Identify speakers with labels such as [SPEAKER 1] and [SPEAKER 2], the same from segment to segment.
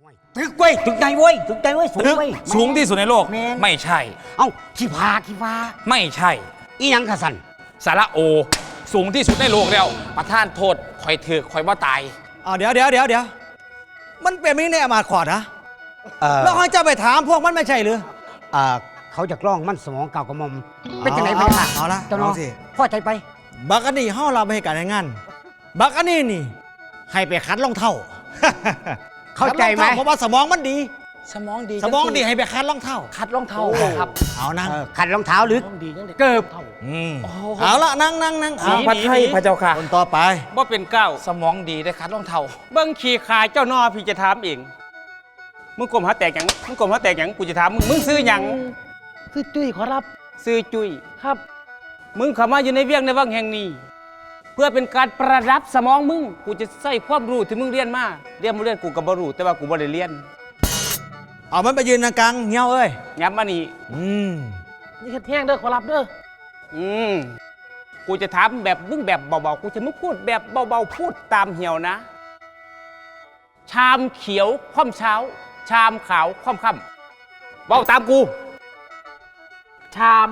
[SPEAKER 1] ตึกเว้ยตึกใหญ่เว้ยตึกใหญ่เว้ยสูง
[SPEAKER 2] ตึก
[SPEAKER 1] เว้ย
[SPEAKER 2] สูงที่สุดในโลก
[SPEAKER 1] แม่น
[SPEAKER 2] ไม่ใช่
[SPEAKER 1] เอ้าขี้ฟ้า
[SPEAKER 2] ไม่ใช่
[SPEAKER 1] อีหยังกะสัน
[SPEAKER 2] สาระโอ สูงที่สุดในโลกแล้วประท่านโทษคอยถือคอยว่าตาย
[SPEAKER 3] เดี๋ยวมันเป็นไม่ในอมาตย์ขอดนะ
[SPEAKER 1] เอ่อ
[SPEAKER 3] แล้วให้เจ้าไปถามพวกมันไม่ใช่หรือ
[SPEAKER 1] เขาจะกล้องมันสมองเก่ากระหมอมเป็นจังไหนไปค่ะ
[SPEAKER 3] เอาละ
[SPEAKER 1] เจ้าน้อง
[SPEAKER 3] เอาสิ
[SPEAKER 1] พ่อใจไป
[SPEAKER 3] บักอันนี้เฮาเราไปให้การงานบักอันนี้นี่ ให้ไปคัดรองเท้า
[SPEAKER 1] เข้าใจไหม
[SPEAKER 3] คัดรองเท้าเพราะว่าสมองมันดี
[SPEAKER 2] สมองดี
[SPEAKER 3] สมองดีให้ไปคัดรองเท้า
[SPEAKER 2] คัดรองเท้าครับ
[SPEAKER 3] เอานั่ง
[SPEAKER 1] ขัดรองเท้าหรือเกิบ
[SPEAKER 3] เอาละนั่ง
[SPEAKER 2] สีพัดไทยพระเจ้าค่ะ
[SPEAKER 3] คนต่อไป
[SPEAKER 4] ว่าเป็นเก้า
[SPEAKER 2] สมองดีได้คัดรองเท้า
[SPEAKER 4] เบิ้งขี่ขายเจ้านอพี่จะถามเอง มึงกลมหาแตกหยังมึงกลมหาแตกหยังกูจะถามมึงซื้อหยัง
[SPEAKER 5] คือจุ้ยขอรับ
[SPEAKER 4] ซื้อจุย
[SPEAKER 5] ครับ
[SPEAKER 4] มึงเข้ามาอยู่ในเวียงในวังแห่งนี้ เพื่อเป็นการประดับสมองมึงกูจะใส่ความรู้ที่มึงเรียนมาเรียนกูก็บ่รู้แต่ว่ากูบ่ได้เรียน
[SPEAKER 3] เอามันไปยืนกลางเงี้ยวเอ้ย
[SPEAKER 4] ย้ำมานี่
[SPEAKER 5] นี่คือแท่งเด้อขอรับเด้อ
[SPEAKER 4] กูจะถามแบบมึงแบบเบาๆกูจะมึงพูดแบบเบาๆพูดตามเหี่ยวนะ ชามเขียวคว่ำเช้า ชามขาวคว่ำค่ำเบาตามกู
[SPEAKER 5] ชาม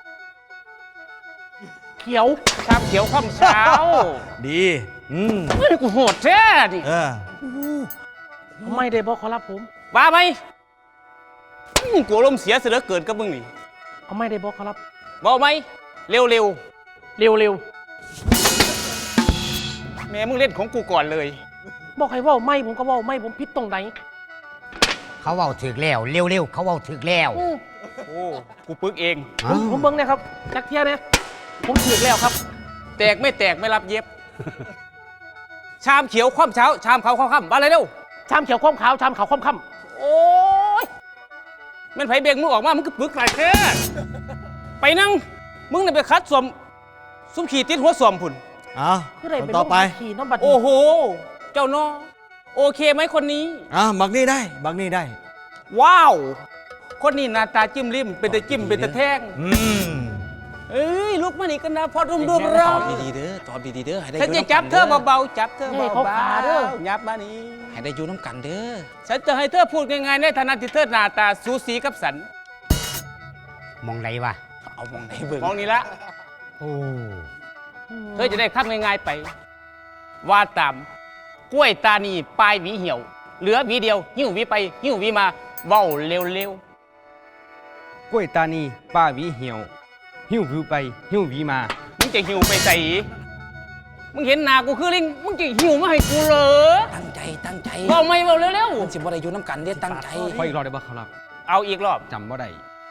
[SPEAKER 5] เขียว
[SPEAKER 4] ชามเขียวคว่ำเช้า
[SPEAKER 3] ดี
[SPEAKER 4] เฮ้ยกูโหดแท้ดิ
[SPEAKER 5] ไม่ได้บอกขอรับผม
[SPEAKER 4] บ้าไหมกูอารมณ์เสียเสือเกินกับมึงนี่
[SPEAKER 5] เอาไม่ได้บอกขอรับ
[SPEAKER 4] เบาไหมเร็ว
[SPEAKER 5] เร็ว
[SPEAKER 4] ๆแม่มึงเล่นของกูก่อนเลย
[SPEAKER 5] ๆบอกให้เว่าไม่ผมก็เว่าไม่ผมผิดตรงไหน
[SPEAKER 1] เขาเว้าถึกแล้วเร็วเขาเว้าถึกแล้ว
[SPEAKER 4] โอ้กูปึกเอง
[SPEAKER 5] ผมเบิ่งนะครับจักเทียเนี่ยผมถือแล้วครับ
[SPEAKER 4] แตกไม่รับเย็บ ชามเขียวคว่ำเช้า ชามขาวคว่ำค่ำมาเลยเร็ว
[SPEAKER 5] ชามเขียวข้อมขาวชามขาวข้อมค่
[SPEAKER 4] โอ้ยมันไผเบงมึงออกมามึงก็ปึกหลายแค่ไปนั่งมึงน่ะไปคัดสวมซุ้มขี่ติดหัวสวมพุ่น
[SPEAKER 5] ำคืออะไร
[SPEAKER 3] คน
[SPEAKER 5] เป็น
[SPEAKER 3] ต่อไป
[SPEAKER 5] ขี่น้ำบัด
[SPEAKER 4] โอ้โห เจ้านอโอเคไหมคนนี้
[SPEAKER 3] บักนี่ได้บักนี่ได้
[SPEAKER 4] ว้าว คนนี้หน้าตาจิ้มริมเป็นแต่จิ้มเป็นแต่แท่งเอ้ยลุกมานี่กันนะพอรุ่มรอ
[SPEAKER 2] ตอบดีๆเด้อตอบดีๆเด้อให้ได้อ
[SPEAKER 4] ฉัน
[SPEAKER 2] ยู่
[SPEAKER 4] จะจับเธอ
[SPEAKER 2] น้ำกัน
[SPEAKER 4] เบาๆจับเธอ
[SPEAKER 5] ให้
[SPEAKER 4] เบา
[SPEAKER 5] เขาขาเด้อ
[SPEAKER 4] ๆยับมานี่
[SPEAKER 2] ให้ได้อยู่น้ำกันเด้อ
[SPEAKER 4] ฉันจะให้เธอพูดง่ายๆในฐานะที่เธอหน้าตาสูสีกับสัน
[SPEAKER 1] มองไหนวะ
[SPEAKER 2] เอามองได้เบิ่ง
[SPEAKER 4] มองนี่ละ
[SPEAKER 1] โอ้
[SPEAKER 4] เธอจะได้คับง่ายๆไป ว่าตามกล้วยตานีปลายหวีเหี่ยว เหลือหวีเดียว หิ้วหวีไป หิ้วหวีมาเว้าเร็ว
[SPEAKER 6] กล้วยตานีป้าหวีเหี่ยว หิ้ววิวไป หิ้วหวีมา
[SPEAKER 4] ๆมึงจะหิ้วไปใส่มึงเห็นหน้ากูคือลิงมึงจะหิ้วมาให้กูเหรอ
[SPEAKER 2] ตั้งใจ
[SPEAKER 4] เว้าไม่เว้าเร็ว
[SPEAKER 2] มันสิบ่ได้อยู่น้ำกันเด้อตั้งใจ
[SPEAKER 6] ขออีกรอบได้บ่ครับ
[SPEAKER 4] ๆเอาอีกรอบ
[SPEAKER 6] จำบ่ได้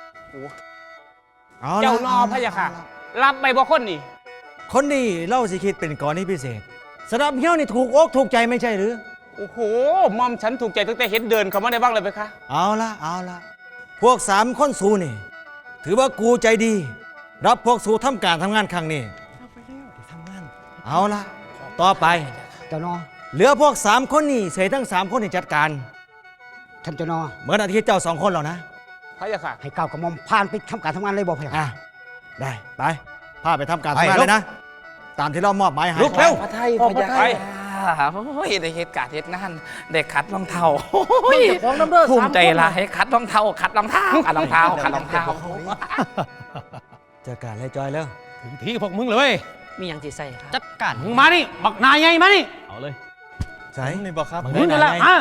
[SPEAKER 4] เจ้านอพะยะค่ะ รับไปบ่คนนี่
[SPEAKER 3] คนนี้เล่าสิคิดเป็นกรณีพิเศษสำหรับเงี้ยวนี่ถูกอกถูกใจไม่ใช่หรือ
[SPEAKER 4] โอ้โหมอมฉันถูกใจตั้งแต่เห็นเดินเข้ามาในบ้างเลยไหมคะ
[SPEAKER 3] เอาละพวก3 คนสู้นี่ ถือว่ากูใจดี รับพวกสู้ทำการทำงานครั้งนี้เอาละต่อไป
[SPEAKER 1] เจ้านอ
[SPEAKER 3] เหลือพวก3 คนนี่เสยทั้ง3 คนนี่จัดการ
[SPEAKER 1] ท่านเจ้านอ
[SPEAKER 3] เหมือนอาทิตย์เจ้า2 คนแล้วนะ
[SPEAKER 4] พะยะค่ะ
[SPEAKER 1] ให้ก้าวกระหมอมผ่านไปทำการทำงานเลยบอกพะยะ
[SPEAKER 3] ได้ไปพาไปทำการทำงานเลยนะ ตามที่เรามอบหมายให้
[SPEAKER 4] ลุกเร็ว
[SPEAKER 2] พระไทยพระยา
[SPEAKER 4] ไป
[SPEAKER 2] โอ้ยได้เหตุการณ์เหตุงานได้คัดรองเท้า
[SPEAKER 5] เจ้าของน้ำเด้อ
[SPEAKER 2] ภูมิใจ
[SPEAKER 5] 3 คน
[SPEAKER 2] ละให้คัดรองเท้าคัดรองเท้าคัดรองเท้าคัดรองเท้า
[SPEAKER 3] จัดการเลยจอยแล้ว
[SPEAKER 6] ถึงที่พวกมึงเลย
[SPEAKER 5] มีอย่างที่ใส่ครับ
[SPEAKER 6] จัดการมึงมานี่บักนายใหญ่มานี่เอาเลย
[SPEAKER 3] ใช่นี่บอกครับ
[SPEAKER 6] มึงนั่นแหละมา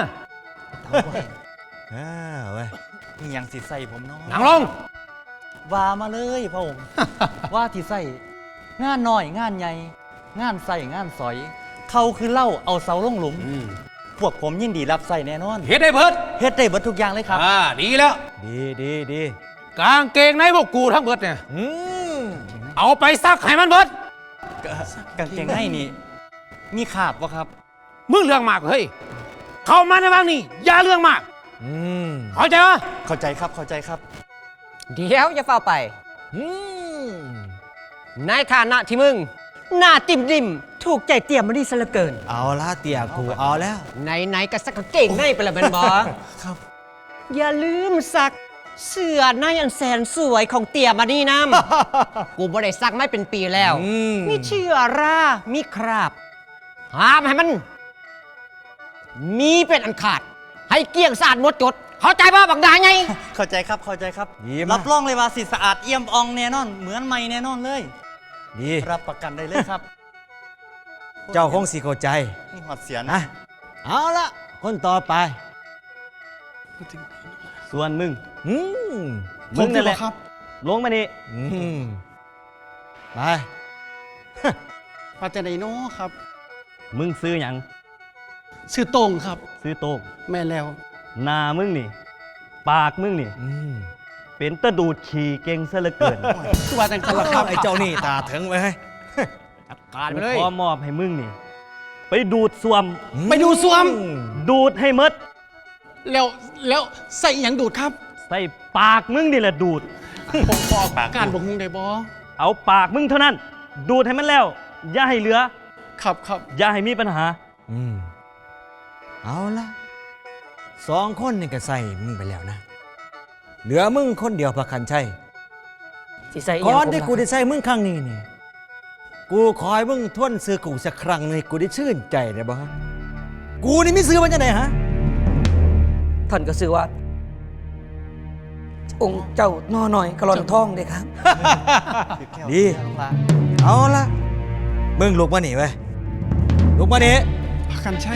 [SPEAKER 3] เว้ย
[SPEAKER 7] มีอย่างสิใส่ผมเนาะ
[SPEAKER 6] นั่งลง
[SPEAKER 7] ว่ามาเลยพระองค์ ว่าที่ใส่งานน้อยงานใหญ่งานใส่งานสอย เขาคือเล่าเอาเสาลงหลุม พวกผมยินดีรับใส่แน่นอน
[SPEAKER 6] เฮ็ดได้เบิด
[SPEAKER 7] เฮ็ดได้เบิดทุกอย่างเลยครับ
[SPEAKER 6] ดีแล้ว
[SPEAKER 3] ดี
[SPEAKER 6] กางเกงในพวกกูทั้งเบิดเนี่ยเอาไปซักให้มันเบิด
[SPEAKER 7] กางเกงในนี่ มีขาบวะครับ
[SPEAKER 6] มึงเรื่องมากเฮ้ยเข้ามาในบ้างนี่อย่าเรื่องมากเข้าใจปะ
[SPEAKER 7] เข้าใจครับ
[SPEAKER 8] เดี๋ยวจะเฝ้าไปในฐานะที่มึง หน้าติ่มดิมถูกใจเตี่ยมมาดีซะเหลือเกิน
[SPEAKER 3] เอาละเตี่ยกูเอาแล้ว
[SPEAKER 8] ไหนๆก็สักกางเก่งในไปละเป็นบอ
[SPEAKER 3] ครับ
[SPEAKER 8] อย่าลืมสักเสื้อในอันแสนสวยของเตี่ยมาดีน้ำ กูบ่ได้ซักไม่เป็นปีแล้ว มีเชื้อรามีคราบห้ามให้มัน มีเป็นอันขาดให้เกลี้ยงสะอาดหมดจด เข้าใจป่ะบักดาไง
[SPEAKER 7] เข้าใจครับเข้าใจครับ
[SPEAKER 3] ดีมาก
[SPEAKER 7] รับรองเลยว่าสิสะอาดเอี่ยมอองแน่นอน เหมือนใหม่แน่นอนเลย
[SPEAKER 3] ดี
[SPEAKER 7] รับประกันได้เลยครับ
[SPEAKER 3] เจ้าคงสิเข้าใจ
[SPEAKER 7] นี่หอดเสียนะ
[SPEAKER 3] นะเอาละคนต่อไป
[SPEAKER 9] ส่วนมึง
[SPEAKER 3] อืม
[SPEAKER 9] มึงนั่นแหละ
[SPEAKER 5] ครับ
[SPEAKER 9] ลงมานี่
[SPEAKER 3] อืมไป
[SPEAKER 5] ปัจจัยโนครับ
[SPEAKER 9] มึงซื้อหยัง
[SPEAKER 5] ชื่อโต้งครับ
[SPEAKER 9] ซื้อโต๊ะ
[SPEAKER 5] แม่แล้ว
[SPEAKER 9] หน้ามึงนี่ ปากมึงนี่
[SPEAKER 3] อืม
[SPEAKER 9] เป็นตะดูดขี่เก่งซะเหลือเกิน
[SPEAKER 5] คือว่าจังสันละครับ
[SPEAKER 3] ไอ้เจ้านี่ตาถึงไว้ให้
[SPEAKER 2] การไป
[SPEAKER 9] กู
[SPEAKER 2] เลย
[SPEAKER 9] ขอมอบให้มึงนี่ ไปดูดส่วม
[SPEAKER 5] ไปดูสวม
[SPEAKER 9] ดูดให้หมด
[SPEAKER 5] แล้วใส่หยังดูดครับ
[SPEAKER 9] ใส่ปากมึงนี่แหละดูด
[SPEAKER 5] ผมบอกการบอกมึงได้บอ
[SPEAKER 9] เอาปากมึงเท่านั้น ดูดให้มันแล้ว อย่าให้เหลือ
[SPEAKER 5] ครับ
[SPEAKER 9] อย่าให้มีปัญหา
[SPEAKER 3] อืมเอาละ2 คนนี่ก็ใส่มึงไปแล้วนะ เหลือมึงคนเดียวพระคันชัย
[SPEAKER 8] สิใส่
[SPEAKER 3] ก่อนที่กูได้ใส่มึงครั้งนี้นี่ กูขอให้มึงทวนซื้อกูสักครั้งหนึงให้กูได้ชื่นใจได้บ่ฮะกูนี่มีซื้อมันจะไหนฮะ
[SPEAKER 10] ท่านก็ซื้อว่า องค์เจ้านอหน่อยกระลอนทองเลยครับ
[SPEAKER 3] ดี เอาละมึงลุกมาหนีไว้ยลุกมาหนี
[SPEAKER 5] พักกันใช่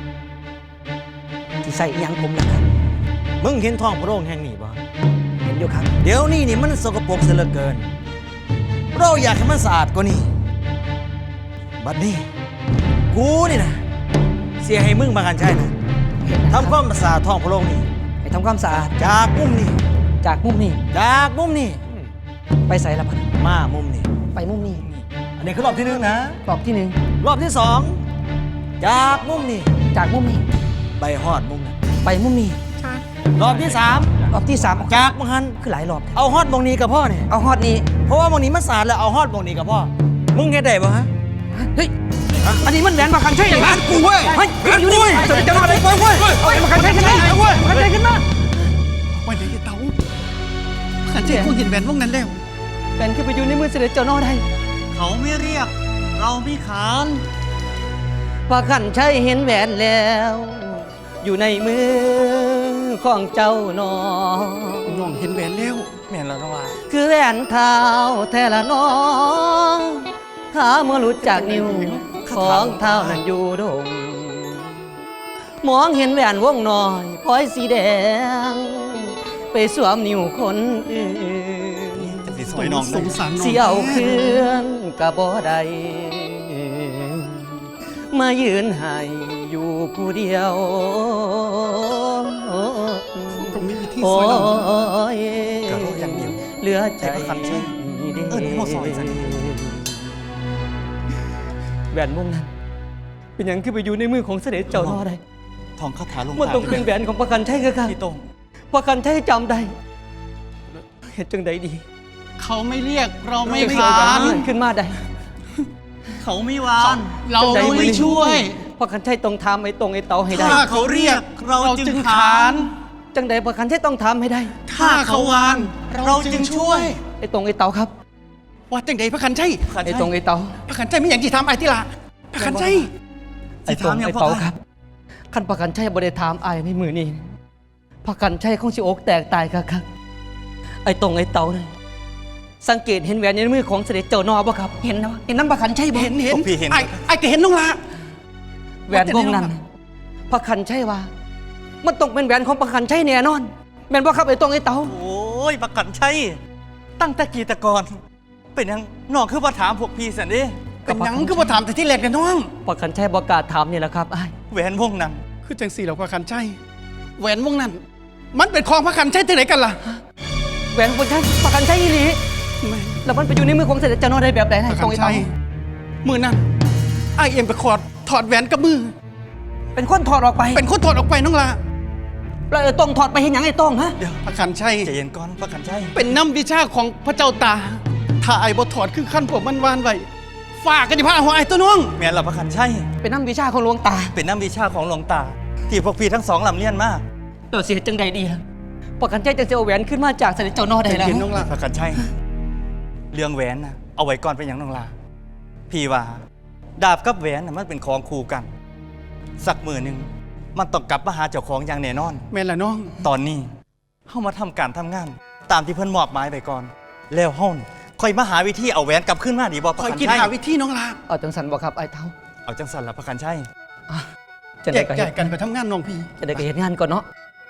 [SPEAKER 10] ที่ใส่อิหยังผมล่ะครับ
[SPEAKER 3] มึงเห็นท้องพระโรงแห่งนี้บ่
[SPEAKER 10] เห็นอยู่ครับ
[SPEAKER 3] เดี๋ยวนี้นี่มันสกปรกเสียเหลือเกิน เราอยากให้มันสะอาดกว่านี้ บัดนี้ กูนี่นะเสียให้มึงมากันใช่นะ
[SPEAKER 10] เห็นนะครับ
[SPEAKER 3] ทำความสะอาดท้องพระโรงนี่
[SPEAKER 10] ไปทำความสะอาด
[SPEAKER 3] จากมุมนี้
[SPEAKER 10] จากมุมนี้
[SPEAKER 3] จากมุมนี้
[SPEAKER 10] ไปใส่ละพัน
[SPEAKER 3] มามุมนี้
[SPEAKER 10] ไปมุมนี้
[SPEAKER 3] อันนี้คือรอบที่ 1นะ
[SPEAKER 10] รอบที่
[SPEAKER 3] รอบที่ 2 จากมุมนี้
[SPEAKER 10] 1 จากมุมนี้
[SPEAKER 3] ไปฮอดมุมนั้น
[SPEAKER 10] ไปมุมนี้
[SPEAKER 3] รอบที่
[SPEAKER 10] รอบที่3
[SPEAKER 3] 3 จากมุมหัน
[SPEAKER 10] คือหลายรอบ
[SPEAKER 3] เอาฮอดมงนี้กับพ่อเนี่ย
[SPEAKER 10] เอาฮอดนี้
[SPEAKER 3] เพราะว่ามุมนี้มันสะอาดแล้วเอาฮอดมงนี้กับพ่อ มึงเฮ็ดได้บ่ฮะ
[SPEAKER 10] เฮ้ยอันนี้มันแหวนมาคันใช่ไหม
[SPEAKER 3] กูเว้ย
[SPEAKER 10] เฮ้ยอยู่นี่จะมาอะไรเว้ยเอามาคันใช่ขึ้นมามาคันใช่ขึ้นมา
[SPEAKER 5] วันไหนเต๋าพักกันใช่คงเห็นแหวนวงนั้นแล้ว
[SPEAKER 10] แหวนขึ้นไปอยู่ในมือเสด็จเจ้านอได้
[SPEAKER 7] เขาไม่เรียก เราไม่ขาน
[SPEAKER 10] ว่าขันใช้เห็นแหวนแล้ว อยู่ในมือของเจ้าหนอ
[SPEAKER 5] น้องเห็นแหวนแล้ว
[SPEAKER 7] แม่นแล้วนะว่า
[SPEAKER 10] คือแหวนเท้าแทละน้องหาเมื่อหลุดจากนิ้วของเท้านั้นอยู่ดง มองเห็นแหวนวงน้อยพลอยสีแดง ไปสวมนิ้วคนอื่น
[SPEAKER 7] สิสวยน้อง
[SPEAKER 5] สงสารน้อง
[SPEAKER 10] เสียวเคลื่อนกะบ่ได้มายืนให้อยู่ผู้เดียว
[SPEAKER 5] ผมมีวิธี
[SPEAKER 10] โอ้
[SPEAKER 5] สวยน้อง
[SPEAKER 10] ย
[SPEAKER 7] กะโลอย่างเดียว
[SPEAKER 10] เหลือใจ
[SPEAKER 7] ให้ประคันใช่นี่เขาซอยซะนี่
[SPEAKER 10] แหวนวงนั้น เป็นอย่างคือไปอยู่ในมือของเสด็จเจ้าน้อได้
[SPEAKER 7] ทองคาถาลง
[SPEAKER 10] มันต้องเป็นแหวนของประกันใช่คือกัน
[SPEAKER 7] พี่โตง
[SPEAKER 10] ประกันใช่จำได้เห็นจังใดดี
[SPEAKER 5] เขาไม่เรียกเราไม่
[SPEAKER 10] จะ
[SPEAKER 5] ขาน
[SPEAKER 10] ขึ้นมาได้
[SPEAKER 7] เขาไม่วาน
[SPEAKER 5] เราไม่ช่วย
[SPEAKER 10] ประกันใช่ต้องทำไอ้ตรงไอ้เตาให้ได้
[SPEAKER 5] ถ้าเขาเรียกเราจึงขาน
[SPEAKER 10] จังใดประกันใช่ต้องทำให้ได้
[SPEAKER 5] ถ้าเขาวาน เราจึงช่วย
[SPEAKER 10] ไอ้ตรงไอ้เตาครับ
[SPEAKER 5] ว่าจังใดพระคันใช่
[SPEAKER 10] ไอ้ตรงไอ้เตา
[SPEAKER 5] พระคันใช่ไม่อย่างที่ทำไอ้ที่ละพระคันใช่
[SPEAKER 10] ไอ้ตรงไอ้เตาครับขั้นประกันใช่บริธามไอ้ในมือนี้ประกันใช่ของชิโอกแตกตายครับ ไอ้ตรงไอ้เตาเนี่ยสังเกตเห็นแหวนในมือของเสด็จเจ้านอบ่ครับ เห็นนะเห็นน้ำประกันใช่บ่
[SPEAKER 5] เห็น
[SPEAKER 7] พวกพี่เห็น
[SPEAKER 5] ไอ้ก็เห็นน้องละ
[SPEAKER 10] แหวนวงนั้นประกันใช่ว่า มันต้องเป็นแหวนของประกันใช่แน่นอนแม่นบ่ครับไอ้ตรงไอ้เตา
[SPEAKER 7] โอ้ยประกันใช่ ตั้งแต่กี่ตะกอนเป็นยังน้องคือมาถามพวกพี่สันดิ
[SPEAKER 5] เป็นหยังคือมาถามแต่ที่แรกกันน้อง
[SPEAKER 10] ประกันใช่ประกล้าศถามนี่แหละครับไอ้
[SPEAKER 7] แหวนวงนั้น
[SPEAKER 5] คือจังสี่เหล่าพระคันใช่แหวนวงนั้น มันเป็นของพระคันใช่ที่ไหนกันล่ะ
[SPEAKER 10] แหวนของใช่ประกันใช่อีหลีแล้วมันไปอยู่ในมือของเสด็จเจ้านอได้แบบไหน
[SPEAKER 5] พ
[SPEAKER 10] ไอ้
[SPEAKER 5] ระ
[SPEAKER 10] ต
[SPEAKER 5] คั
[SPEAKER 10] ร
[SPEAKER 5] น
[SPEAKER 10] งไอ้
[SPEAKER 5] ใช่
[SPEAKER 10] เตา
[SPEAKER 5] มือนั้นไอ้เอ็มไปถอดแหวนกับมือ
[SPEAKER 10] เป็นคนถอดออกไป
[SPEAKER 5] เป็นคนถอดออกไปน้องละ
[SPEAKER 10] แล้วไอ้ตรงถอดไปเห็นหยังไอ้ตรงฮะ
[SPEAKER 7] เดี๋ยว
[SPEAKER 5] พระคันใช่
[SPEAKER 7] ใจเย็นก่อนประกันใช่
[SPEAKER 5] เป็นน้ำวิชาของพระเจ้าตา ถ้าไอ้บ่ถอดคือขั้นผมมันวานไว้ฝากกันที่พระหัวไอ้ตัวน้อง
[SPEAKER 7] แม่นเราประกันใช่
[SPEAKER 10] เป็นน้ำวิชาของหลวงตา
[SPEAKER 7] เป็นน้ำวิชาของหลวงตา ที่พวกพี่ทั้งสองลำเลียนมา
[SPEAKER 10] เดี๋ยวสิเฮ็ดจังใดดีล่ะประกันใจจังสิเอาแหวนขึ้นมาจากเสด็จเจ้านอได้แล้ว
[SPEAKER 5] เห็นน้องละ
[SPEAKER 7] ประกันใช่ เรื่องแหวนนะเอาไว้ก่อนเป็นอย่างน้องลาพี่ว่า ดาบกับแหวนนะมันเป็นของคู่กัน สักมือหนึ่งมันต้องกลับมาหาเจ้าของอย่างแน่นอน
[SPEAKER 5] แม่นละน้อง
[SPEAKER 7] ตอนนี้เฮามาทำการทำงาน ตามที่เพิ่นมอบหมายไปก่อน แล้วเฮาน่ะค่อยมาหาวิธีเอาแหวนกลับขึ้นมาดีบ่พ
[SPEAKER 5] ค
[SPEAKER 7] ระ
[SPEAKER 5] อย
[SPEAKER 7] คัน
[SPEAKER 5] กิน
[SPEAKER 7] ชัย
[SPEAKER 5] หาวิธีน้องลา
[SPEAKER 10] เอาจังสันบ่ครับไอ้เท่า
[SPEAKER 7] เอาจังสั่นละพระคันชัย
[SPEAKER 10] จะ
[SPEAKER 5] แย
[SPEAKER 10] ได้
[SPEAKER 5] ก
[SPEAKER 10] ก็
[SPEAKER 5] ย้า
[SPEAKER 10] เฮ็
[SPEAKER 5] ย
[SPEAKER 10] ด
[SPEAKER 5] กันไปทำงานน้องพี่
[SPEAKER 10] จะได้ก็เฮ็ดงานก่อนเนาะ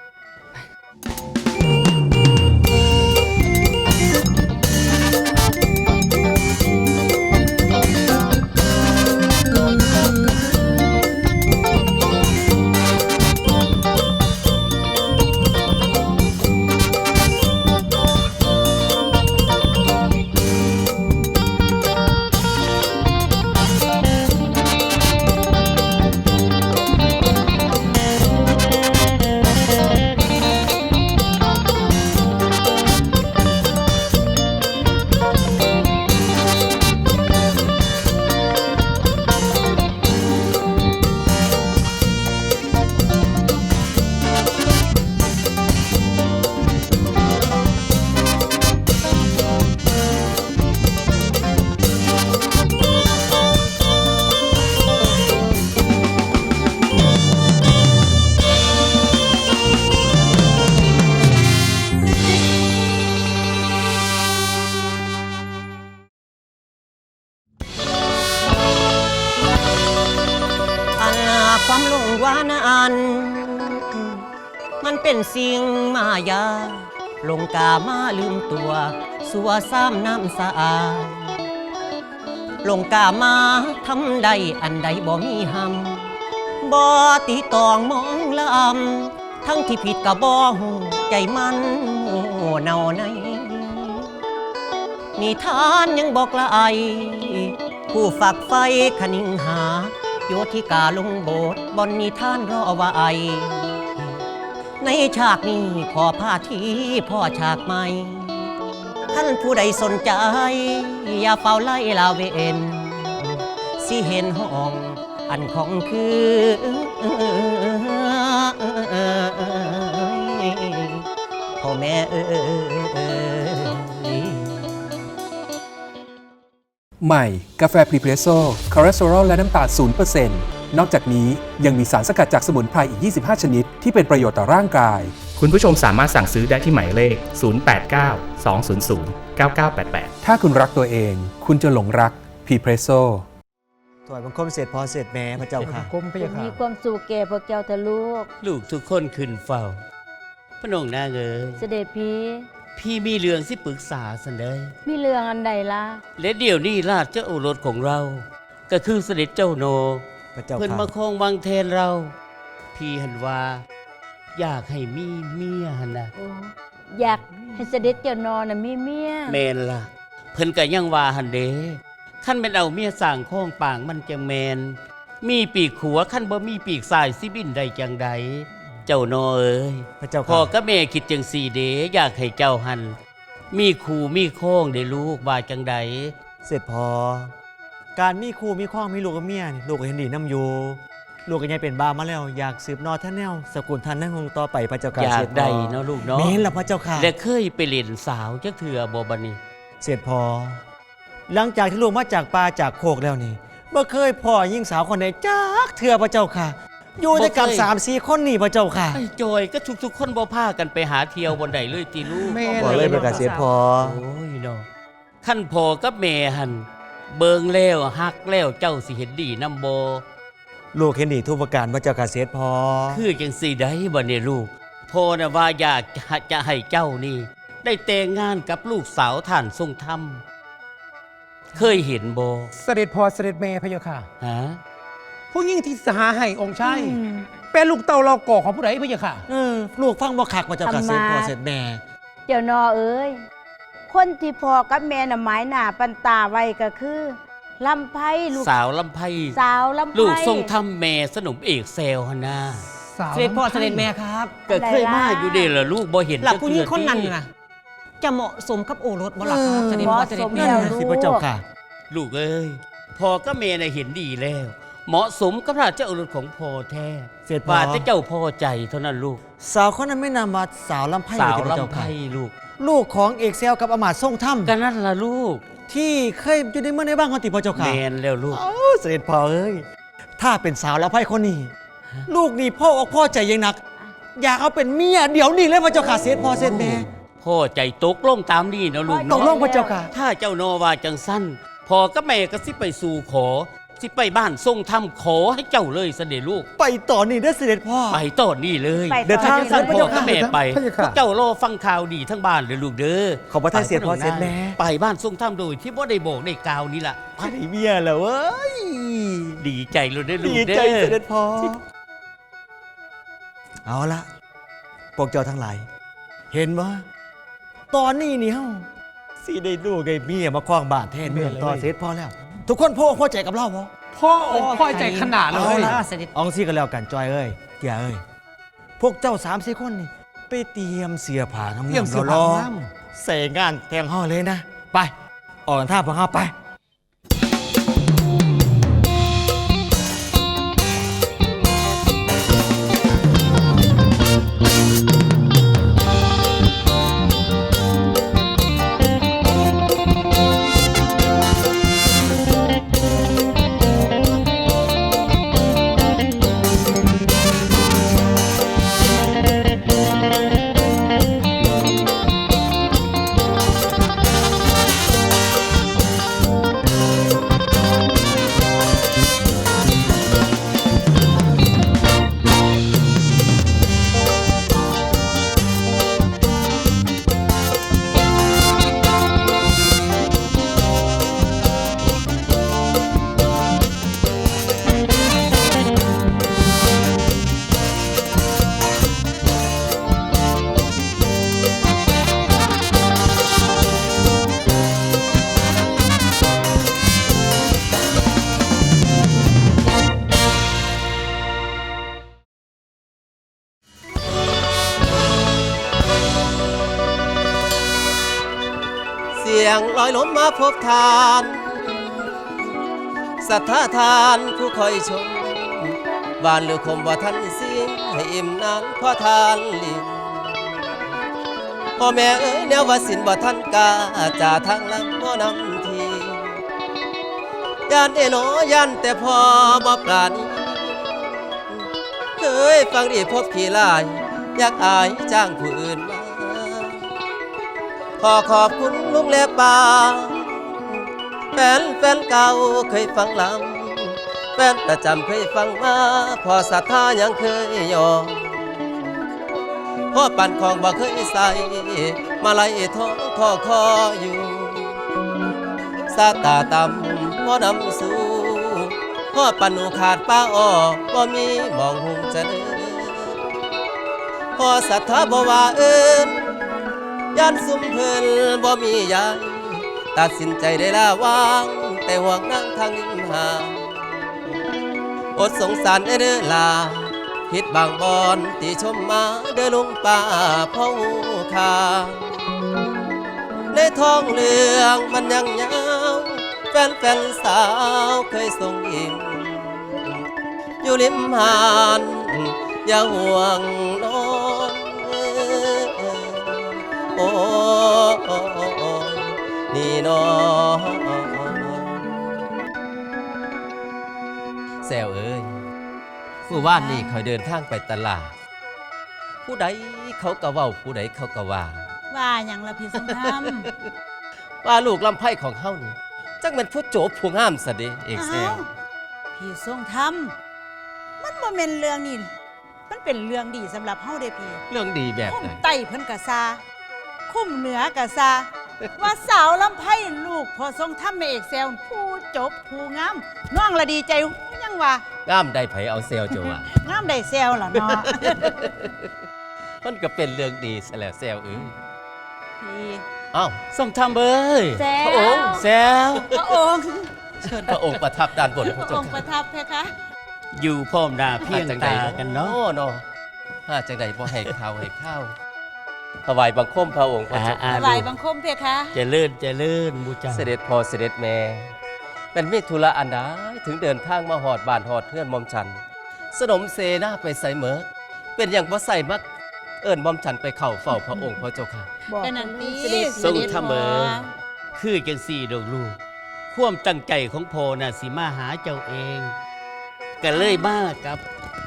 [SPEAKER 8] ความหลงว่านั้นมันเป็นสิ่งมายาหลงกามาลืมตัวสัวซ้ำน้ำสะอาดหลงกามาทำใดอันใดบ่มีหำบ่ตีตองมองลำทั้งที่ผิดกับบ่หูใจมันโง่เนาในนิทานยังบอกละไอผู้ฝักไฟขนิ่งหาโยธิกาลงโบสถ์บนนิทานรอว่าไอในฉากนี้ขอพาทีพ่อฉากใหม่ท่านผู้ใดสนใจอย่าเฝ้าไล่ลาเวนสิเห็นห้องอันของคือพ่อแม่
[SPEAKER 11] ใหม่กาแฟพรีเพรสโซ่คอเลสเตอรอลและน้ำตาล 0% นอกจากนี้ยังมีสารสกัดจากสมุนไพรอีก 25 ชนิดที่เป็นประโยชน์ต่อร่างกาย
[SPEAKER 12] คุณผู้ชมสามารถสั่งซื้อได้ที่หมายเลข 089 200 9988
[SPEAKER 11] ถ้าคุณรักตัวเอง คุณจะหลงรักพรีเพรสโซ่
[SPEAKER 3] ถวายบังคมเสร็จพอเสร็จแม่พระเจ้าค่ะ
[SPEAKER 13] มีความสุขแก่พวกเจ้าทะลูก
[SPEAKER 4] ลูกทุกคนขึ้นเฝ้า พระนงนางเอ๋ย
[SPEAKER 13] เสด็จพี่
[SPEAKER 4] พี่มีเรื่องที่ปรึกษาสันเดย
[SPEAKER 13] มีเรื่องอันใดล่ะ
[SPEAKER 4] และเดี๋ยวนี้ราชโอรสของเรา ก็คือเสด็จเจ้าโน
[SPEAKER 3] พระเจ้า
[SPEAKER 4] เพิ่น
[SPEAKER 3] ค่ะ
[SPEAKER 4] มาครองวังแทนเรา พี่หันว่า อยากให้มีเมียหันนะ
[SPEAKER 13] โอ้อยากให้เสด็จเจ้านอนน่ะมีเมีย
[SPEAKER 4] แมนล่ะ เพิ่นก็ยังว่าหันเด้ขั้นเป็นเอาเมียสร้างข้องป่างมันจังแมน มีปีกขัวขั้นบ่มีปีกสายสิบินได้จังใดเจ้าโนเอ้ย
[SPEAKER 3] พระเจ้า
[SPEAKER 4] พ่อ
[SPEAKER 3] ค่ะ
[SPEAKER 4] กับแม่คิดจังสี่เด้อยากให้เจ้าหัน มีคู่มีโค้งได้ลูกว่าจังใด
[SPEAKER 3] เสร็จพอ การมีคู่มีข้องมีลูกกับเมียนี่ลูกก็เห็นดีน้ำอยู่ลูกก็ยังเป็นบ้ามาแล้วอยากสืบนอท่านแนวสกุลท่านนั่งคงต่อไปพระเจ้าค่ะ
[SPEAKER 4] อยา
[SPEAKER 3] เส
[SPEAKER 4] ก
[SPEAKER 3] ร็จพอ
[SPEAKER 4] ได้เนาะลูกเนาะ
[SPEAKER 3] แม่นล่ะพระเจ้าค่ะ
[SPEAKER 4] และเคยไปเล่นสาวจักเถื่อบ่บัดนี้
[SPEAKER 3] เสร็จพอ หลังจากที่ลูกมาจากป่าจากโคกแล้วนี่เมื่อเคยพ่อยิ่งสาวคนไหนจักเถื่อพระเจ้าค่ะ อยู่ด้วยกัน
[SPEAKER 4] บ่เคย
[SPEAKER 3] 3-4 คนนี่พระเจ้าค่ะ
[SPEAKER 4] ไอ้จอยก็ทุกๆคนบ่พากันไปหาเที่ยวบนใดเลยติลูก
[SPEAKER 3] บ่เลยประกาศเสร็จพอ
[SPEAKER 4] โอ้ยเนาะขั้นพ่อกับแม่หันเบิงแล้วฮักแล้วเจ้าสิเห็นดีนำบ่
[SPEAKER 3] ลูกเห็นดีทุกประการพระเจ้าค่ะเสร็จพอ
[SPEAKER 4] คือจังสี่ได้บ่เนี่ยลูกพ่อน่ะว่าอยากจะให้เจ้านี่ ได้แต่งงานกับลูกสาวท่านทรงธรรม เคยเห็นบ่
[SPEAKER 6] เสด็จพ่อเสด็จแม่พระเจ้าค่ะ
[SPEAKER 4] ฮะ
[SPEAKER 6] ผู้หญิงที่สหาให้องค์ชายเป็นลูกเต่าเราก่อของผู้ใดพระเจ้าค่ะ
[SPEAKER 3] ลูกฟังบ่คักพระเจ้าค่ะเสร็จพอเสร็จแม่
[SPEAKER 13] เจ้านอเอ้ยคนที่พ่อกับแม่น่ะหมายหน้าปันตาไว้ก็คือลำไพลูก
[SPEAKER 4] สาวลำไพ
[SPEAKER 13] สาวลำไพ
[SPEAKER 4] ลูกทรงธรรมแม่สนมเอกเซลฮะนา
[SPEAKER 8] เสด็จพ่อเสด็จแม่ครับ
[SPEAKER 4] ก็เคยมาอยู่เด้ล่ะลูกบ่เห็น
[SPEAKER 8] หลักผู้หญิง
[SPEAKER 4] จัก
[SPEAKER 8] คนนั้น
[SPEAKER 4] เทื่อ
[SPEAKER 8] น่ะจะเหมาะสมกับโอรสบ่ล่ะครับเสด็จพ่อเสด็จแม่
[SPEAKER 13] เหมาะสมแล้ว
[SPEAKER 3] สิพระเจ้าค่ะ
[SPEAKER 4] ลูกเอ้ยพ่อกับแม่น่ะเห็นดีแล้ว เหมาะสมกับราชโอรสของพ่อแท้
[SPEAKER 3] เสร็จพอ
[SPEAKER 4] ว่าแต่เจ้าพ่อใจเท่านั้นลูก
[SPEAKER 3] สาวคนนั้นไม่นามว่าสาวลำไพ
[SPEAKER 4] สาว
[SPEAKER 3] พระเจ้า
[SPEAKER 4] ลำไพ
[SPEAKER 3] ค่ะ
[SPEAKER 4] ลูก
[SPEAKER 3] ลูกของเอกเซลกับอมาตย์ทรงธรรม
[SPEAKER 4] ก็นั่นล่ะลูก
[SPEAKER 3] ที่เคยอยู่ในเมืองในบ้านของติพระเจ้าค่ะ
[SPEAKER 4] แมนแล้วลูก
[SPEAKER 3] เอ้าเสด็จพ่อเอ้ยถ้าเป็นสาวลำไพคนนี้ลูกนี่พ่ออกพ่อใจยังหนัก อยากเอาเป็นเมียเดี๋ยวนี้เลยพระเจ้าค่ะเสด็จพ่อเสด็จแม่
[SPEAKER 14] พ่อใจตกลงตามนี่นะลูก
[SPEAKER 3] ตกลงพระเจ้าค่ะ
[SPEAKER 14] ถ้าเจ้าโนว่าจังสั้นพ่อกับแม่ก็สิไปสู่ขอ สิไปบ้านทรงทำขอให้เจ้าเลยเสด็จลูก
[SPEAKER 3] ไปต่อนี่เด้อเสด็จพ่อ
[SPEAKER 14] ไปต่อนี่เลย
[SPEAKER 3] เดินทาง
[SPEAKER 14] ท่านพ่อกับแม่ไป
[SPEAKER 3] พระเจ้าค่ะ
[SPEAKER 14] พวกเจ้ารอฟังข่าวดีทั้งบ้านเลยลูกเด้อ
[SPEAKER 3] ขอบพระทัยเสียพ่อเสียแม่
[SPEAKER 14] ไปบ้านทรงทำโดยที่บ่ได้บอกได้กล่าวนี่ล่ะ
[SPEAKER 3] จะได้เมียแล้วเว้ย
[SPEAKER 14] ดีใจเลยเด้อลูก
[SPEAKER 3] ดี
[SPEAKER 14] เด้อ
[SPEAKER 3] ใจเสด็จพ่อเอาละพวกเจ้าทั้งหลายเห็นว่าตอนนี้นี่เฮาสิได้ลูกไอ้เมียมาคว้างบ้านแทนเมืองต่อเสด็จพ่อแล้ว ทุกคนพ่อพ่อใจกับเราบ่
[SPEAKER 5] พ่ออกพ่อใจขนาดเล
[SPEAKER 3] เอา
[SPEAKER 5] ย
[SPEAKER 3] ละอองซี่กันแล้วกันจอยเอ้ยเกียเอ้ยพวกเจ้า3-4 คนนี่ไปเตรียมเสียผ้าทำ
[SPEAKER 5] เตรียมเสื้อ
[SPEAKER 3] ร
[SPEAKER 5] ผ้า
[SPEAKER 3] อ
[SPEAKER 5] ท
[SPEAKER 3] ใส่งานแต่งห่อเลยนะ ไป ออกกันท่าพวกเฮาไป
[SPEAKER 8] เสียงลอยล้มมาพบทานศรัทธาทานผู้คอยชมหวานหรือคมว่าท่านสิ้นให้อิ่มนานเพราะทานลิ้นพ่อแม่เอ๋ยแนวว่าสินว่าท่านกาจ่าทางลำพ่อนำทีย่านเอ๋นอย่านแต่พอบ่ปราณีเคยฟังดีพบขี้ลายอยากอายจ้างผู้อื่นมาขอขอบคุณลุงและป้าแฟนเก่าเคยฟังลำแฟนประจำเคยฟังมาพอศรัทธายังเคยยอมพ่อปั่นของบ่เคยใส่มาไล่ท้องคออยู่สาตาต่ำพ่อนำสู่พ่อปั่นหนูขาดป้าอ้อบ่มีมองหุงจะเดินพ่อศรัทธาบ่ว่าเอิ้นย่านซุ่มเพิ่นบ่มียายตัดสินใจได้ละวางแต่ห่วงนั่งทางริมหาดอดสงสารเด้อลาผิดบางบอนตีชมมาเด้อลุงป้าพ่อคาในท้องเรื่องมันยังยาวแฟนสาวเคยส่งยิ้มอยู่ริมหาดอย่าห่วงนอนโอ้นี่น้องแซวเอ้ยเมื่อวานนี้เขาเดินทางไปตลาดผู้ใดเขาก็เว้าผู้ใดเขาก็ว่า
[SPEAKER 13] ว่าอย่างละพี่สงคราม
[SPEAKER 8] ว่าลูกลำไพ่ของเขานี่จักเป็นผู้โจบผู้งามสะเดเอกแซว
[SPEAKER 13] พี่ทรงธรรมมันบ่แม่นเรื่องนี่มันเป็นเรื่องดีสำหรับเฮาเด้พี่
[SPEAKER 8] เรื่องดีแบบ
[SPEAKER 13] คุ้
[SPEAKER 8] ไหน
[SPEAKER 13] มไต้เพิ่นกะซาคุ้มเหนือกะซาว่าสาวลำไพ่ลูกพอทรงธรรมแม่เอกแซวผู้จบผู้งามน้องละดีใจยังว่าง
[SPEAKER 8] ามได้ไผเอาเซลจะว่าง
[SPEAKER 13] ามได้แซวล่ะเนาะ
[SPEAKER 8] มันก็เป็นเรื่องดีซะแล้วแซวเอ้ย
[SPEAKER 13] พี่
[SPEAKER 8] เอ้า
[SPEAKER 14] ส่งทำเบ้ย
[SPEAKER 13] แซว
[SPEAKER 8] พระองค์
[SPEAKER 14] แซว
[SPEAKER 13] พระองค์
[SPEAKER 8] เชิญพระองค์ประทับด้านบนพระ
[SPEAKER 13] พระ
[SPEAKER 8] เจ้า
[SPEAKER 13] องค์ประทับเพคะ
[SPEAKER 14] อยู่พร้อมหน้าเพียงตากันเนาะ
[SPEAKER 8] เนาะถ้าจังใดบ่ให้ข้าวให้ข้าวถวายบังคมพระองค์พระเจ้า
[SPEAKER 13] ถวายบังคมเพคะ
[SPEAKER 14] เจริญบูชา
[SPEAKER 8] เสด็จพ่อเสด็จแม่เป็นมิธุระอันใดถึงเดินทางมาหอดบ้านหอดเพื่อนหมอมฉันสนมเสนาไปใส่เหมิดเป็นอย่างบ่ใส่มักเอิ้นหมอมฉันไปเข้าเฝ้าพระองค์พระเจ้าค่ะ
[SPEAKER 13] ก็นั่นตี
[SPEAKER 14] ส่งทำเบ้ยคือจังสี่ดอกลูกความตั้งใจของพ่อน่ะสิมาหาเจ้าเองก็เลยมากับ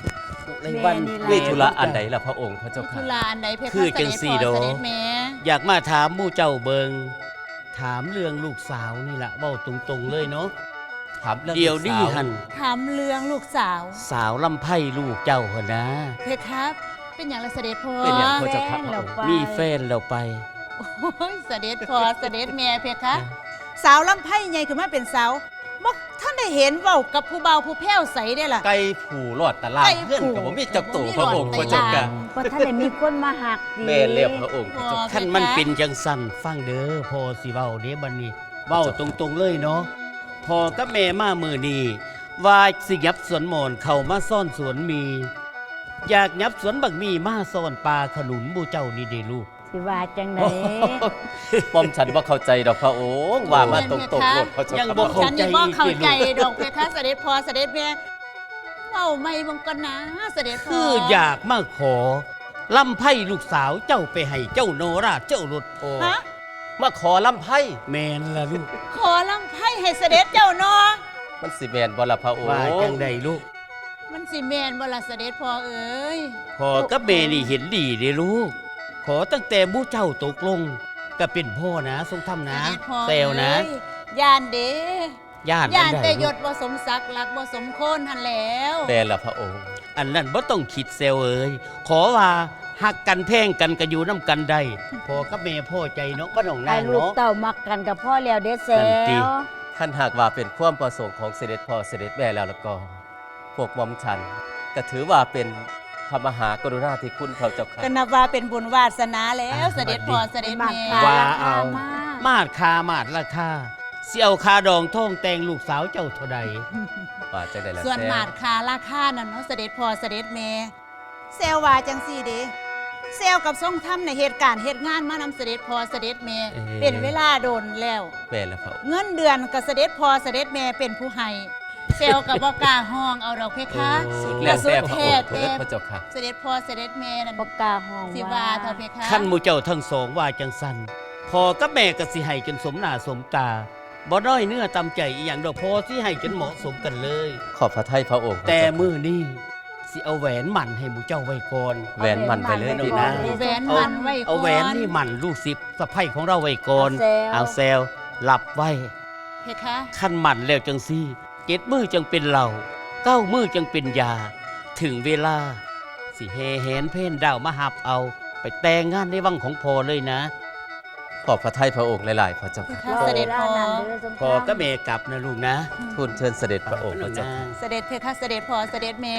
[SPEAKER 14] ในวัน
[SPEAKER 8] เวทุระอันใดล่ะพระองค์พระเจ้า
[SPEAKER 13] ธุ
[SPEAKER 8] ค่ะ
[SPEAKER 13] ระอันใดเพคะ
[SPEAKER 14] คือจังสี่
[SPEAKER 13] เส
[SPEAKER 14] โด
[SPEAKER 13] ด็จพ่อเสด็จแม่
[SPEAKER 14] อยากมาถามหมู่เจ้าเบิงถามเรื่องลูกสาวนี่ล่ะเว้าตรงๆเลยเนาะ
[SPEAKER 8] ถามเรื่อง
[SPEAKER 14] เดี๋ยว
[SPEAKER 8] ลูก
[SPEAKER 14] นี้
[SPEAKER 8] สาว
[SPEAKER 14] หัน
[SPEAKER 13] ถามเรื่องลูกสาว
[SPEAKER 14] สาวลำไพ่ลูกเจ้าหนนะ
[SPEAKER 13] เพคะเป็นอย่างไรเสด็จพ่อ
[SPEAKER 8] เป็นอย่างพระเจ้าค่ะพระองค์
[SPEAKER 14] มีแฟนแล้วไป
[SPEAKER 13] โอ้ยเสด็จพ่อเสด็จแม่เพคะสาวลำไพ่ใหญ่ขึ้นมาเป็นสาวบ่ท่านได้เห็นเว้ากับผู้เบาผู้แพ้วใสได้ล่ะ
[SPEAKER 8] ไก่ผูหลอดตะลาง
[SPEAKER 13] ไก่
[SPEAKER 8] เพื่อน
[SPEAKER 13] ผู
[SPEAKER 8] กับผมมีจักตู่พระองค์พระเจ้าค่ะ
[SPEAKER 10] เพราะท่านได้มีคนมาหักดี
[SPEAKER 8] แม่เรียบพระองค์พระเจ้าค่ะ
[SPEAKER 14] ท่านมันเป็นจังสันฟังเด้อพอสิเว้าเด้บัดนี้เว้าตรงๆเลยเนาะพอกับแม่มามือนี้ว่าสิยับสวนหมอนเข้ามาซ่อนสวนมี อยากยับสวนบักมีมาซ่อนปลาขนุนบูเจ้านี่เด้ลูก
[SPEAKER 10] สิว่าจังได
[SPEAKER 8] ป้อมฉันว่าเข้าใจดอกพระองค์ว่ามาตรงๆหมดพระเจ้า
[SPEAKER 14] ยัง
[SPEAKER 8] ค่ะ
[SPEAKER 14] บ่เข้า
[SPEAKER 13] ฉันนี่บ่เข้าใจดอกเพคะเสด็จพ่อเสด็จแม่เว้าไม่บังกันนะเสด็จพ่อ
[SPEAKER 14] คืออยากมาขอลำไพ่ลูกสาวเจ้าไปให้เจ้าโนราเจ้ารถ
[SPEAKER 13] ฮะ
[SPEAKER 8] มาขอลำไพ่
[SPEAKER 14] แมนละลูก
[SPEAKER 13] ขอลำไพ่ให้เสด็จเจ้าเนาะ
[SPEAKER 8] มันสิแมนบ่ล่ะพระองค์
[SPEAKER 14] ว่าจังใดลูก
[SPEAKER 13] มันสิแม่นบ่ล่ะเสด็จพ่อเอ้ย
[SPEAKER 14] พอกับเมนี่เห็นดีเด้ลูก ขอตั้งแต่บูเจ้าตกลงก็เป็นพ่อนะทรงทำนะ
[SPEAKER 13] เสด็จพ่อ
[SPEAKER 14] เซลนะ
[SPEAKER 13] เอ้ยย่านเด้
[SPEAKER 14] ย่าน
[SPEAKER 13] ย่าน
[SPEAKER 14] อันใด
[SPEAKER 13] แต่ย
[SPEAKER 14] ลู
[SPEAKER 13] ศ
[SPEAKER 14] ก
[SPEAKER 13] บ่สมศักดิ์รักบ่สมโคนหันแล้ว
[SPEAKER 8] แม่ล่ะพระองค์
[SPEAKER 14] อันนั้นบ่ต้องคิดเซลเอ้ยขอว่าหักกันแพ่งกันก็อยู่น้ำกันได้พอกับเมพ่อใจเนาะบ่ต้อง
[SPEAKER 10] ไอ้
[SPEAKER 14] นาง
[SPEAKER 10] ลูก
[SPEAKER 14] เนาะ
[SPEAKER 10] เต่ามักกันกับพ่อแล้วเด้แซ
[SPEAKER 14] นั่นติ
[SPEAKER 10] ว
[SPEAKER 8] ท่านหากว่าเป็นความประสงค์ของเสด็จพ่อเสด็จแม่แล้วก็ พวกหมอมฉันก็ถือว่าเป็นพระมหากรุณาธิคุณพระเจ้าค่ะ
[SPEAKER 13] ก็นับว่าเป็นบุญวาสนาแล้วเสด็จพ่อเสด็จแม่
[SPEAKER 14] ว่าเอามาดคามาดราคาเสี่ยวคาดองท่องแต่งลูกสาวเจ้าเท่าใด
[SPEAKER 8] ว่าจังได๋ล่ะ
[SPEAKER 13] ส่วน
[SPEAKER 8] แซ่
[SPEAKER 13] มาดคาราคานั่นเนาะเสด็จพ่อเสด็จแม่เซลว่าจังซี่เด้เซลกับทรงทำในเหตุการณ์เหตุงานมานำเสด็จพ่อเสด็จแม่เป็นเวลาโดนแล้ว
[SPEAKER 8] แม่ล่ะพระองค์
[SPEAKER 13] เงินเดือนกับเสด็จพ่อเสด็จแม่เป็นผู้ให้เซลกับบ่กล้าห้องเอาดอกเพคะ
[SPEAKER 8] สุดแล้วแต่พระองค์
[SPEAKER 13] แต่
[SPEAKER 8] เถิดพระเจ้าค่ะ
[SPEAKER 13] เสด็จพ่อเสด็จแม่นั่น
[SPEAKER 10] บ่กล้าห้อง
[SPEAKER 13] สิว่าเท่าเพคะ
[SPEAKER 14] ขั้นหมูเจ้าทั้งสองว่าจังสันพอกับแม่ก็สิให้จนสมหน้าสมตาบ่ด้อยเนื้อตำใจอีหยังดอกพอสิให้จนเหมาะสมกันเลย
[SPEAKER 8] ขอบพระทัยพระองค์
[SPEAKER 14] แต่มื้อนี้สิเอาแหวนหมั่นให้หมูเจ้าไว้ก่อน
[SPEAKER 8] แหวนมันไปเลย
[SPEAKER 14] นี่
[SPEAKER 8] นะ
[SPEAKER 14] นะ
[SPEAKER 13] แหวนมันไว้ก่อน
[SPEAKER 14] เอาแหวนนี่หมั่นลูกศิษย์สะใภ้ของเราไว้ก่อน เอาแซวหลับไว้
[SPEAKER 13] เพคะ
[SPEAKER 14] ขั้นหมั่นแล้วจังซี่เจ็ดมือจังเป็นเหล่าเก้ามือจังเป็นยา ถึงเวลา สิเฮแหนเพ่นดาวมาหับเอา ไปแต่งงานในวังของพอเลยนะ
[SPEAKER 8] ขอบพระทัยพระองค์หลายๆพระเจ้าค่ะ
[SPEAKER 13] เสด็จพ่อ
[SPEAKER 14] พอก็เมกลับนะลูกนะ
[SPEAKER 8] ทูลเชิญเสด็จพระองค์พระเจ้าค่ะ
[SPEAKER 13] เสด็จเพคะเสด็จพ่อเสด็จแม่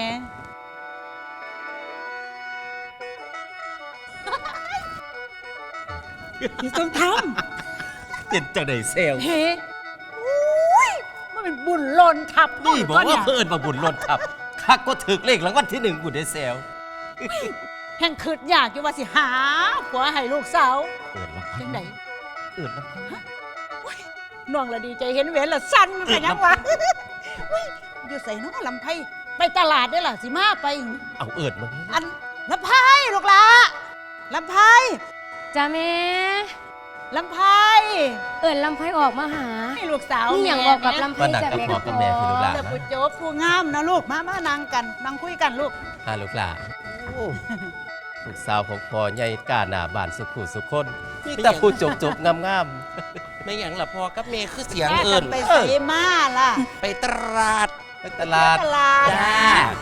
[SPEAKER 13] ต้องท
[SPEAKER 8] เป็นจังได๋เซล
[SPEAKER 13] ำเฮ้อุ้ยมันเป็นบุญหล่นทับ
[SPEAKER 8] นี่บอกว่า
[SPEAKER 13] เนี่ย
[SPEAKER 8] เพิ่นมาบุญล้นทับคักก็ถึกเลขรางวัลที่1บุญได้เซล
[SPEAKER 13] แห่งคืดอยากอยู่ว่าสิหาผัวให้ลูกสาว
[SPEAKER 8] เอิ้นลำ
[SPEAKER 13] จังไหน
[SPEAKER 8] เอิ้นลำ
[SPEAKER 13] น้องละดีใจเห็นเวนละสั้นมันเป็นยังวะอุ๊ยอยู่ใส่น้องลำไพไปตลาดได้ล่ะสิมาไป
[SPEAKER 8] เอาเอิ้นมา
[SPEAKER 13] อันลำไพลูกละลำไพ
[SPEAKER 10] จ้าแม่
[SPEAKER 13] ลำไพ
[SPEAKER 10] เอิ้นลำไผออกมาหา
[SPEAKER 13] ให้ลูกสาว
[SPEAKER 10] นี่หยังบอกกับลำไผ
[SPEAKER 8] มานั่ง
[SPEAKER 10] จ้ะ
[SPEAKER 8] กับ
[SPEAKER 10] แม่
[SPEAKER 8] พ่อกับแม่พี่ลูกหลาน
[SPEAKER 13] แต่
[SPEAKER 8] นะ
[SPEAKER 13] ผู้โจบผู้งามนะลูกมานั่งกันนั่งคุยกันลูก
[SPEAKER 8] หาลูกหลานลูกสาวของพ่อใหญ่กล้าหน้าบ้านสุขุสุคนมีแต่ผู้จบๆงาม
[SPEAKER 6] ไม่หยังล่ะพ่อกับแม่คือเสียง
[SPEAKER 13] แม่
[SPEAKER 6] เอิ
[SPEAKER 13] กัน
[SPEAKER 6] ญ
[SPEAKER 13] ไปใส่มาล่ะ
[SPEAKER 6] ไปตลาด
[SPEAKER 8] ๆไปตลาด
[SPEAKER 13] ตลาด
[SPEAKER 6] จ้า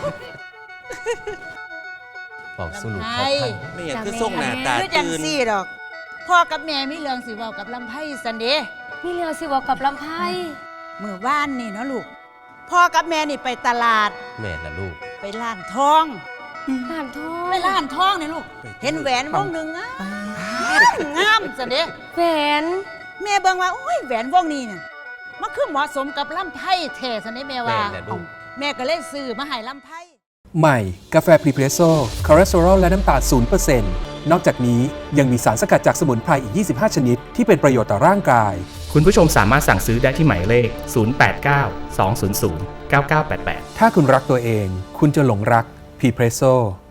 [SPEAKER 8] บอกสู่ลูก
[SPEAKER 13] ลำ
[SPEAKER 8] ข
[SPEAKER 13] ไพ
[SPEAKER 8] อพัน
[SPEAKER 6] ไม่หยังคือส่งหน้าตา
[SPEAKER 13] คือจัง
[SPEAKER 6] ตื่น
[SPEAKER 13] ซี่ดอก พ่อกับแม่มีเรื่องสิเว้ากับลำไพสันเดะ
[SPEAKER 10] มีเรื่องสิบอกกับลำไผ
[SPEAKER 13] เมื่อวานนี่เนาะลูก พ่อกับแม่นี่ไปตลาด
[SPEAKER 8] แม่ละลูก
[SPEAKER 13] ไปร้านทอง
[SPEAKER 10] ร้านทอง
[SPEAKER 13] ไปร้านทองนี่ลูก เห็นแหวนวงหนึ่งงามสันเดะ
[SPEAKER 10] แหวน
[SPEAKER 13] แม่เบิ่งว่าโอ้ยแหวนวงนี้เนี่ยมันคือเหมาะสมกับลำไพแท้สันเดะแม่ว่า
[SPEAKER 8] แม่แหละลูก
[SPEAKER 13] แม่ก็เลยซื้อมาให้ลำไพ
[SPEAKER 11] ใหม่ กาแฟพรีเพรสโซ่คอเลสเตอรอลและน้ำตาล 0% นอกจากนี้ยังมีสารสกัดจากสมุนไพรอีก 25 ชนิด ที่เป็นประโยชน์ต่อร่างกาย
[SPEAKER 12] คุณผู้ชมสามารถสั่งซื้อได้ที่หมายเลข 089 200 9988
[SPEAKER 11] ถ้าคุณรักตัวเอง คุณจะหลงรักพรีเพรสโซ่